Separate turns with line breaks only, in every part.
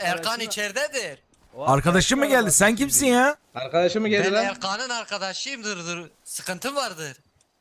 Erkan içeridedir.
Arkadaşım mı geldi? Sen kimsin ya?
Arkadaşım mı geldi
Ben
lan?
Erkan'ın arkadaşıyımdır. Sıkıntı vardır.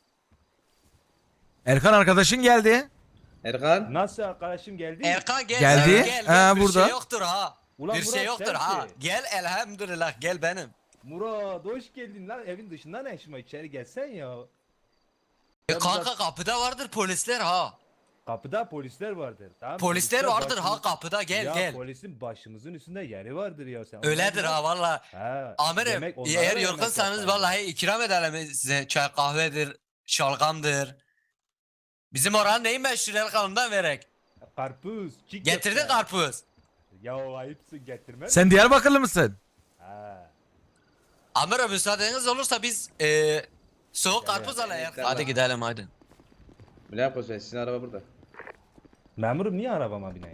Erkan arkadaşın geldi.
Erkan.
Nasıl arkadaşım geldi?
Erkan gel.
Geldi.
Gel,
Ha,
bir
burada.
şey yoktur ha.
Ulan
bir şey
Murat,
yoktur
sensin.
ha. Gel elhamdülillah gel benim.
Murat hoş geldin lan, evin dışında ne işin var, içeri gelsen ya.
Kanka kapıda vardır polisler ha.
Kapıda polisler vardır, tamam.
Polisler vardır ha
başımız-
kapıda gel
ya,
gel.
polisin başımızın üstünde yeri vardır ya sen.
Öyledir ha valla.
Ha,
Amirim
demek onlara
eğer
da
yorgunsanız
yemek
vallahi ikram edelim size. Çay kahvedir, şalgamdır. Bizim oranın neyi meşhur Erkan'ından verek.
yapar. Karpuz, çiğ
Getirdin
köfte.
karpuz.
Ya ayıpsın, getirmez.
Sen Diyarbakırlı mısın?
Ha.
Amirim müsaadeniz olursa biz soğuk karpuz alayım.
evet,
Hadi gidelim hadi.
Ne yapıyorsun? Sizin araba burada.
Memurum niye arabama bineyim?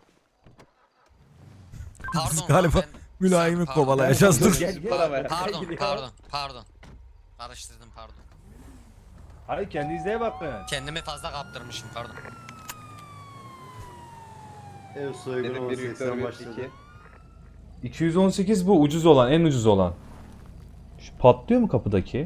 Pardon.
Galiba
ben-
mülayimi
Pardon.
kovalayacağız dur.
Gel gel.
Arabaya.
Pardon,
Gel ya.
pardon. Karıştırdım pardon.
Hayır, kendinize bakın.
Kendimi fazla kaptırmışım pardon.
Ev soygunu
Dedim 1 Victor
18'den
1
başladı.
2.
218 bu ucuz olan, en ucuz olan. Şu patlıyor mu kapıdaki?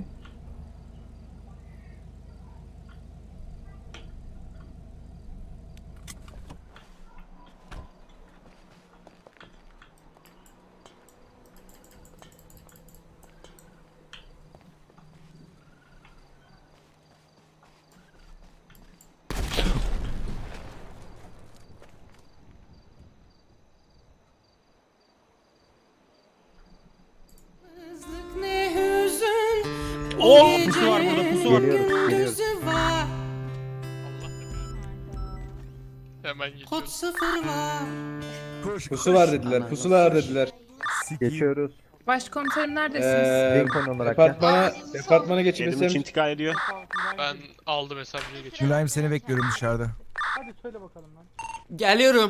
Oh, pusu var burada, pusu var.
Geliyoruz.
Hemen geçiyoruz.
Pusu var dediler. Pusu var dediler.
Geçiyoruz.
Başkomiserim neredesiniz?
Lincoln olarak ya.
Departmana geçip
Elim için intikal ediyor.
Ben aldım hesabıya geçiyorum.
Mülayim seni bekliyorum dışarıda.
Geliyorum.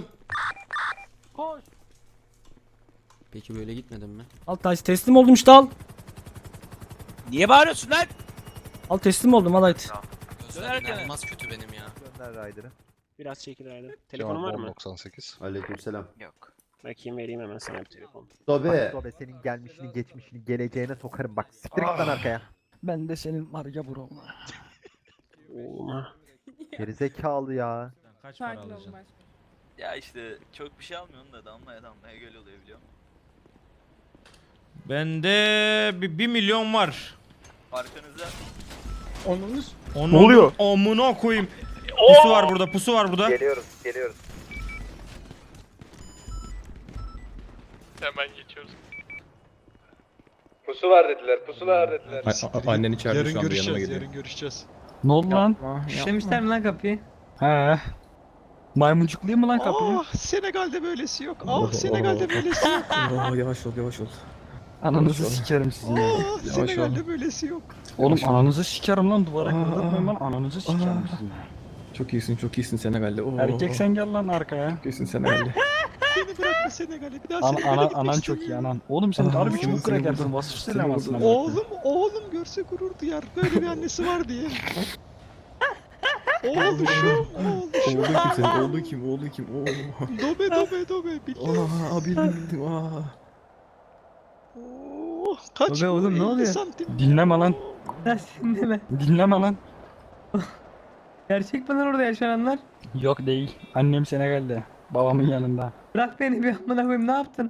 Peki böyle gitmedin mi?
Al taş teslim oldum işte al.
Niye bağırıyorsun lan?
Al teslim oldum al haydi.
Gözlerim inanılmaz kötü benim ya.
Gönder Ryder'ı.
Biraz çekil herhalde. Telefonun var mı?
98.
Aleykümselam.
Yok.
Bakayım vereyim hemen sana bir telefon.
Dobe. Dobe senin gelmişini geçmişini geleceğine sokarım bak. Siktir git lan arkaya.
Ben de senin var ya bro.
Oğlum.
Gerizekalı ya.
Kaç para
Sakin olun
alacaksın?
başkomiserim.
Ya işte çok bir şey almıyorsun da damlaya damlaya göl oluyor biliyor musun?
Bende 1 milyon var.
Arkanızda
Onun ne oluyor? Amına koyayım. Pusu var burada, pusu var burada.
Geliyoruz.
Hemen geçiyoruz.
Pusu var dediler. Pusu var dediler.
annen içeride
Yarın
şu anda yanıma
görüşeceğiz,
geliyor.
yarın görüşeceğiz.
Ne oldu lan?
İşlemişler mi lan kapıyı?
He. Maymuncuklayayım mı lan kapıyı?
Senegal'de böylesi yok. Senegal'de böylesi yok.
Yavaş ol.
Ananızı sikerim sizin ya.
Senegal'de böylesi yok.
Oğlum ananızı sikerim lan duvara kırdırmayın lan ananızı sikerim sizin ya.
Çok iyisin Senegal'de.
Erkek sen gel lan arkaya.
Çok iyisin Senegal'de.
Beni bırakma Senegal'e. Bir daha
Anan çok iyi anan. Oğlum sen harbi çok krakersin vasıf selamsın ama.
Oğlum görse gurur duyar. Böyle bir annesi var diye. Oğluşum.
Oğlu kim?
Dobe.
Bildim.
Kaç
Dobe oğlum, ne
50
oluyor?
santim.
Dinleme lan.
Dinleme.
Dinleme lan.
Gerçek mi lan orada yaşananlar?
Yok değil. Annem Senegal'de. Babamın yanında.
Bırak beni bir amına koyayım, ne yaptın?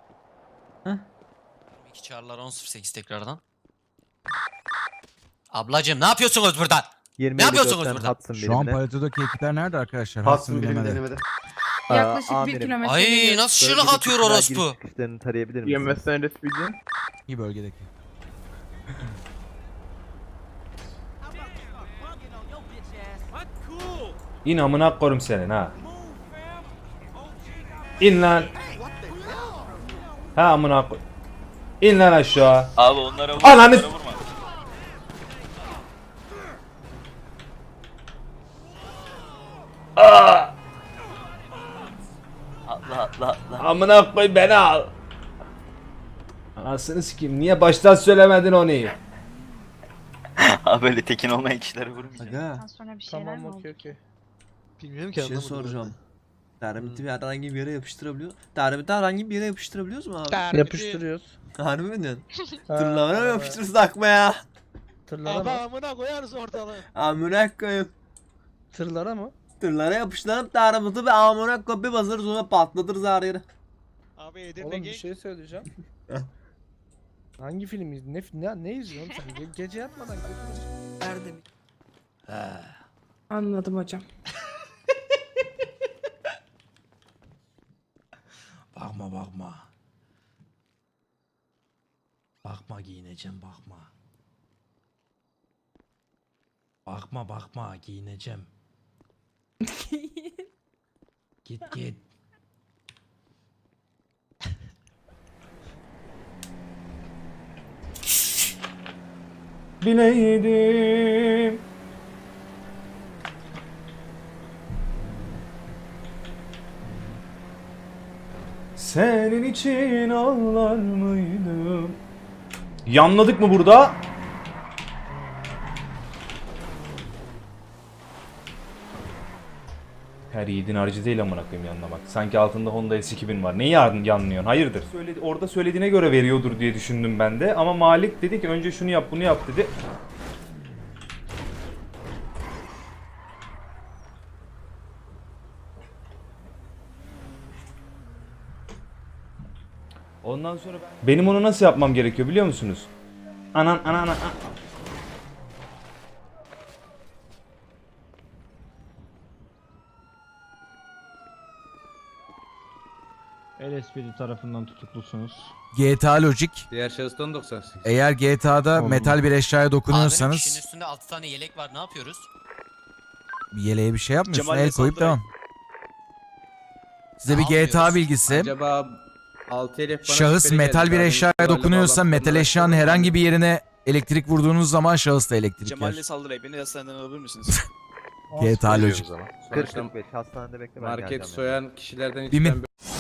2 çağrılar 10.08 tekrardan. Ablacım ne yapıyorsunuz burada?
20
Ne yapıyorsunuz
Hudson
burada?
Şu an
birimine.
paletodaki ekipler nerede arkadaşlar?
Hudson
bilemedi.
birimine denemede.
Yaklaşık 1
amirim.
kilometre.
Ay
geliyoruz.
nasıl şırnak
Bölgedeki
atıyor
silah
orospu?
giriş çıkışlarını tarayabilir misiniz?
İyi bölgedeki.
İn amına koyayım senin ha. İn lan. Ha amına koy. İn lan aşağı.
Abi onlara vurma.
Ananı-
Onlara vurma. Atla.
Amına koy beni al. Anasını sikeyim. Niye baştan söylemedin onu?
Abi böyle tekin olmayan kişilere vurmayacağım.
Ondan sonra bir şeyler mi oldu?
Bilmiyorum ki
Bir şey
anlamadım.
soracağım.
Termiti herhangi bir yere yapıştırabiliyor. Termiti herhangi bir yere yapıştırabiliyoruz mu abi?
Yapıştırıyoruz.
Harbi mi diyorsun? Tırlara mı yapıştırsak mı ya?
Tırlara mı? Amına koyarız ortalığı.
Amına koyayım.
Tırlara mı?
Tırlara yapıştırıp termiti ve amına koyup bir basarız sonra patlatırız her yeri.
Abi Edirne bir şey söyleyeceğim. Hangi film ne izliyorsun sen? Gece yatmadan götürürsün.
Anladım hocam.
Bakma bakma. Bakma giyineceğim bakma. Bakma bakma giyineceğim. Git git.
Bileydim. Senin için ağlar mıydım? Yanladık mı burada? Her yiğidin harcı değil amına koyayım yanlamak. Sanki altında Honda S2000 var. Neyi yanlıyorsun? Hayırdır? Orada söylediğine göre veriyordur diye düşündüm ben de. Ama Malik dedi ki önce şunu yap bunu yap dedi. Ondan sonra benim onu nasıl yapmam gerekiyor biliyor musunuz? Anan.
LSPD tarafından tutuklusunuz.
GTA Logic.
Diğer şahıstan 98.
Eğer GTA'da
Oğlum.
metal bir eşyaya
Abinin
dokunuyorsanız
üstünde 6 tane yelek var ne yapıyoruz?
bir yeleğe bir şey yapmıyorsun.
Cemal'le
El koyup
saldırı.
devam. Size bir
Ne
GTA
yapıyoruz?
bilgisi.
Acaba 6 elef bana
Şahıs
şüpheli
metal
geldi.
bir
Daha
eşyaya
demin
dokunuyorsa
bağlantılarını
metal
araştırdım.
eşyanın herhangi bir yerine elektrik vurduğunuz zaman şahıs da elektrik yer.
Cemal'le saldırı beni hastaneden alabilir misiniz?
GTA Logic.
Sonuçta
40-45 hastanede bekle ben
market
geleceğim.
soyan kişilerden
Bir mi-
içten